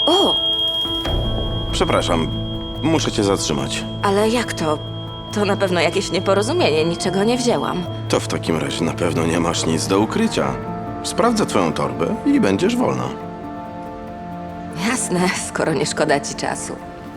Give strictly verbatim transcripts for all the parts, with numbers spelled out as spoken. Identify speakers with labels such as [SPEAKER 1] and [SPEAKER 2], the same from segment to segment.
[SPEAKER 1] O,
[SPEAKER 2] Przepraszam, muszę cię zatrzymać.
[SPEAKER 1] ale jak to? To na pewno jakieś nieporozumienie, niczego nie wzięłam.
[SPEAKER 2] To w takim razie na pewno nie masz nic do ukrycia. Sprawdzę twoją torbę i będziesz wolna.
[SPEAKER 1] Jasne, skoro nie szkoda ci czasu.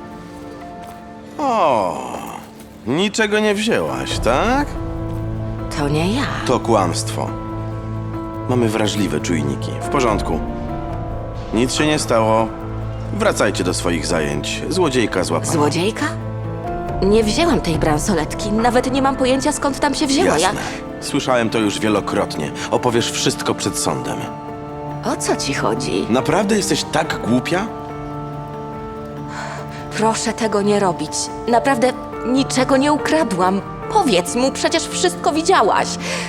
[SPEAKER 2] O, niczego nie wzięłaś, tak?
[SPEAKER 1] To nie ja.
[SPEAKER 2] To kłamstwo. Mamy wrażliwe czujniki. W porządku. Nic się nie stało. Wracajcie do swoich zajęć. Złodziejka złapana.
[SPEAKER 1] Złodziejka? Nie wzięłam tej bransoletki, nawet nie mam pojęcia skąd tam się wzięła.
[SPEAKER 2] Jasne. Słyszałem to już wielokrotnie. Opowiesz wszystko przed sądem.
[SPEAKER 1] Ja... O co ci chodzi?
[SPEAKER 2] Naprawdę jesteś tak głupia?
[SPEAKER 1] Proszę tego nie robić. Naprawdę niczego nie ukradłam. Powiedz mu, przecież wszystko widziałaś.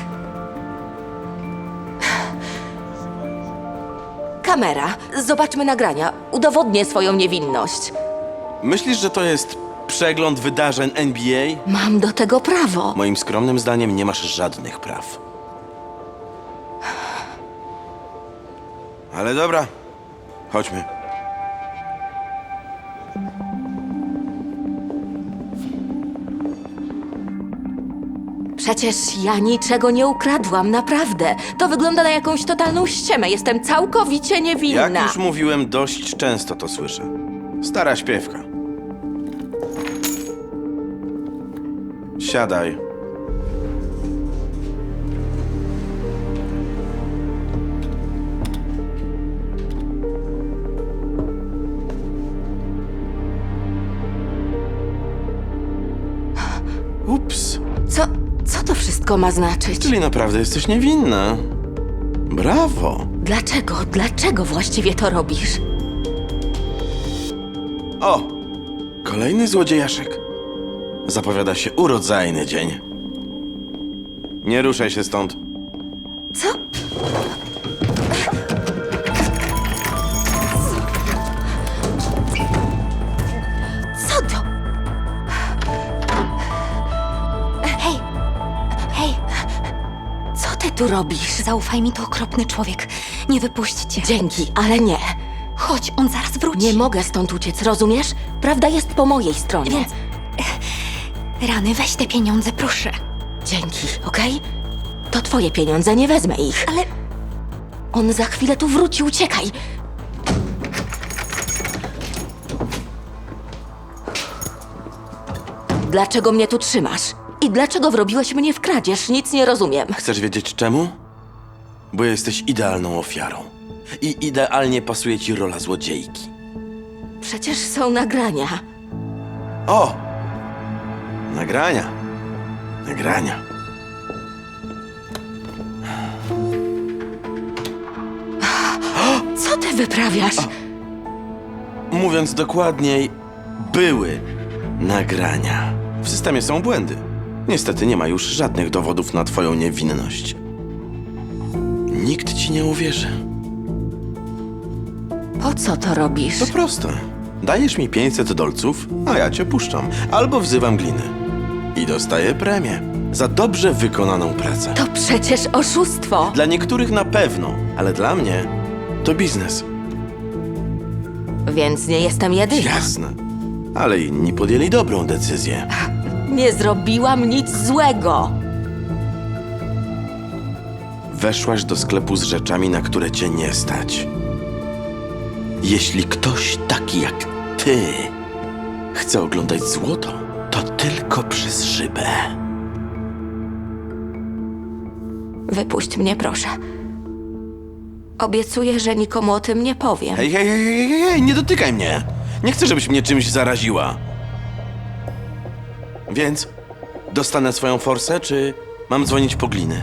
[SPEAKER 1] Kamera, zobaczmy nagrania. Udowodnię swoją niewinność.
[SPEAKER 2] Myślisz, że to jest przegląd wydarzeń N B A?
[SPEAKER 1] Mam do tego prawo.
[SPEAKER 2] Moim skromnym zdaniem nie masz żadnych praw. Ale dobra, chodźmy.
[SPEAKER 1] Przecież ja niczego nie ukradłam, naprawdę. To wygląda na jakąś totalną ściemę. Jestem całkowicie niewinna.
[SPEAKER 2] Jak już mówiłem, dość często to słyszę. Stara śpiewka. Siadaj. Ups.
[SPEAKER 1] Co, co to wszystko ma znaczyć?
[SPEAKER 2] Czyli naprawdę jesteś niewinna. Brawo.
[SPEAKER 1] Dlaczego, dlaczego właściwie to robisz?
[SPEAKER 2] O! Kolejny złodziejaszek. Zapowiada się urodzajny dzień. Nie ruszaj się stąd.
[SPEAKER 1] Co? Co to?
[SPEAKER 3] Hej, hej,
[SPEAKER 1] Co ty tu robisz?
[SPEAKER 3] zaufaj mi, to okropny człowiek. Nie wypuśćcie.
[SPEAKER 1] Dzięki, ale nie.
[SPEAKER 3] Chodź, on zaraz wróci.
[SPEAKER 1] Nie mogę stąd uciec, rozumiesz? Prawda jest po mojej stronie.
[SPEAKER 3] Więc... Rany, weź te pieniądze, proszę.
[SPEAKER 1] Dzięki, okej? To twoje pieniądze, nie wezmę ich.
[SPEAKER 3] Ale
[SPEAKER 1] On za chwilę tu wróci, uciekaj! Dlaczego mnie tu trzymasz? I dlaczego wrobiłeś mnie w kradzież? Nic nie rozumiem.
[SPEAKER 2] Chcesz wiedzieć czemu? Bo jesteś idealną ofiarą. I idealnie pasuje ci rola złodziejki.
[SPEAKER 1] Przecież są nagrania.
[SPEAKER 2] O! Nagrania. Nagrania.
[SPEAKER 1] Co ty wyprawiasz?
[SPEAKER 2] Mówiąc dokładniej, były nagrania. W systemie są błędy. Niestety nie ma już żadnych dowodów na twoją niewinność. Nikt ci nie uwierzy.
[SPEAKER 1] Po co to robisz?
[SPEAKER 2] To proste. Dajesz mi pięćset dolców, a ja cię puszczam. Albo wzywam gliny. I dostaję premię za dobrze wykonaną pracę.
[SPEAKER 1] To przecież oszustwo.
[SPEAKER 2] Dla niektórych na pewno, ale dla mnie to biznes.
[SPEAKER 1] Więc nie jestem jedyna.
[SPEAKER 2] Jasne. Ale inni podjęli dobrą decyzję.
[SPEAKER 1] Nie zrobiłam nic złego.
[SPEAKER 2] Weszłaś do sklepu z rzeczami, na które cię nie stać. Jeśli ktoś taki jak ty chce oglądać złoto, to tylko przez szybę.
[SPEAKER 1] Wypuść mnie, proszę. Obiecuję, że nikomu o tym nie powiem.
[SPEAKER 2] Hej, hej, hej, hej, hej, hej, nie dotykaj mnie! Nie chcę, żebyś mnie czymś zaraziła. Więc dostanę swoją forsę, czy mam dzwonić po gliny?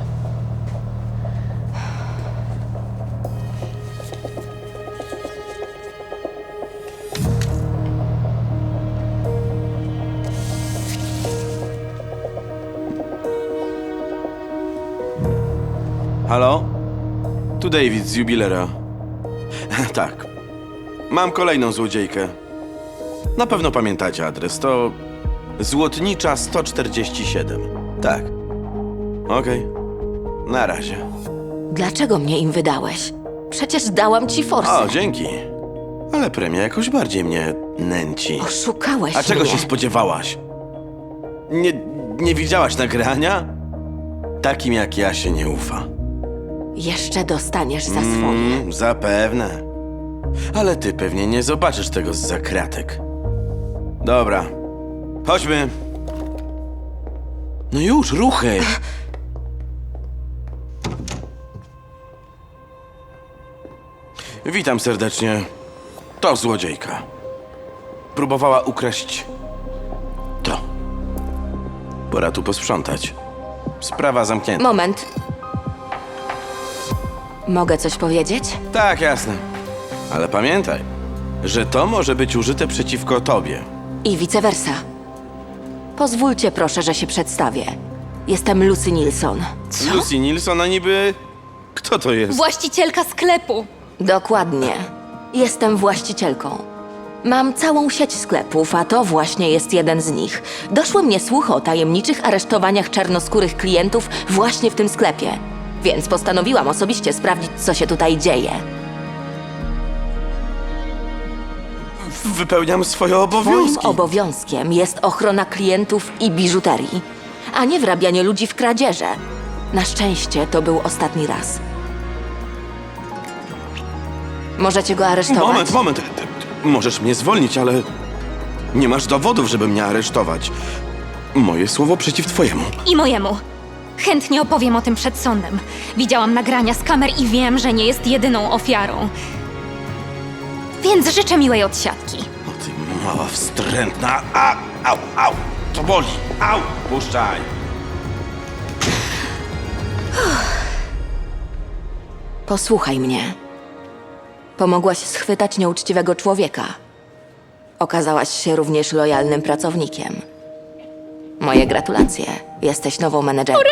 [SPEAKER 2] Halo? Tu David z jubilera. Tak. Mam kolejną złodziejkę. Na pewno pamiętacie adres. To Złotnicza sto czterdzieści siedem. Tak. Okej. Na razie.
[SPEAKER 1] Dlaczego mnie im wydałeś? Przecież dałam ci forsę.
[SPEAKER 2] O, dzięki. Ale premia jakoś bardziej mnie nęci.
[SPEAKER 1] Oszukałeś
[SPEAKER 2] A czego
[SPEAKER 1] mnie.
[SPEAKER 2] się spodziewałaś? Nie, nie widziałaś nagrania? Takim jak ja się nie ufa.
[SPEAKER 1] Jeszcze dostaniesz za swoje.
[SPEAKER 2] Mm, zapewne. Ale ty pewnie nie zobaczysz tego z zakratek. Dobra, chodźmy. No już, ruchy! Witam serdecznie. To złodziejka. Próbowała ukraść to. Pora tu posprzątać. Sprawa zamknięta.
[SPEAKER 1] Moment. Mogę coś powiedzieć?
[SPEAKER 2] Tak, jasne. Ale pamiętaj, że to może być użyte przeciwko tobie.
[SPEAKER 1] I vice versa. Pozwólcie proszę, że się przedstawię. Jestem Lucy Nilsson.
[SPEAKER 2] Lucy Nilsson, a niby... Kto to jest?
[SPEAKER 3] Właścicielka sklepu.
[SPEAKER 1] Dokładnie. Jestem właścicielką. Mam całą sieć sklepów, a to właśnie jest jeden z nich. Doszły mnie słuchy o tajemniczych aresztowaniach czarnoskórych klientów właśnie w tym sklepie. Więc postanowiłam osobiście sprawdzić, co się tutaj dzieje.
[SPEAKER 2] Wypełniam swoje
[SPEAKER 1] Moim
[SPEAKER 2] obowiązki.
[SPEAKER 1] obowiązkiem jest ochrona klientów i biżuterii, a nie wrabianie ludzi w kradzieże. Na szczęście to był ostatni raz. Możecie go aresztować.
[SPEAKER 2] Moment, moment. Ty- ty- Możesz mnie zwolnić, ale nie masz dowodów, żeby mnie aresztować. Moje słowo przeciw twojemu.
[SPEAKER 3] I mojemu. Chętnie opowiem o tym przed sądem. Widziałam nagrania z kamer i wiem, że nie jest jedyną ofiarą. Więc życzę miłej odsiadki.
[SPEAKER 2] O ty mała wstrętna. A, au, au. To boli. Au, puszczaj.
[SPEAKER 1] Posłuchaj mnie. Pomogłaś schwytać nieuczciwego człowieka. Okazałaś się również lojalnym pracownikiem. Moje gratulacje. Jesteś nową menedżerką.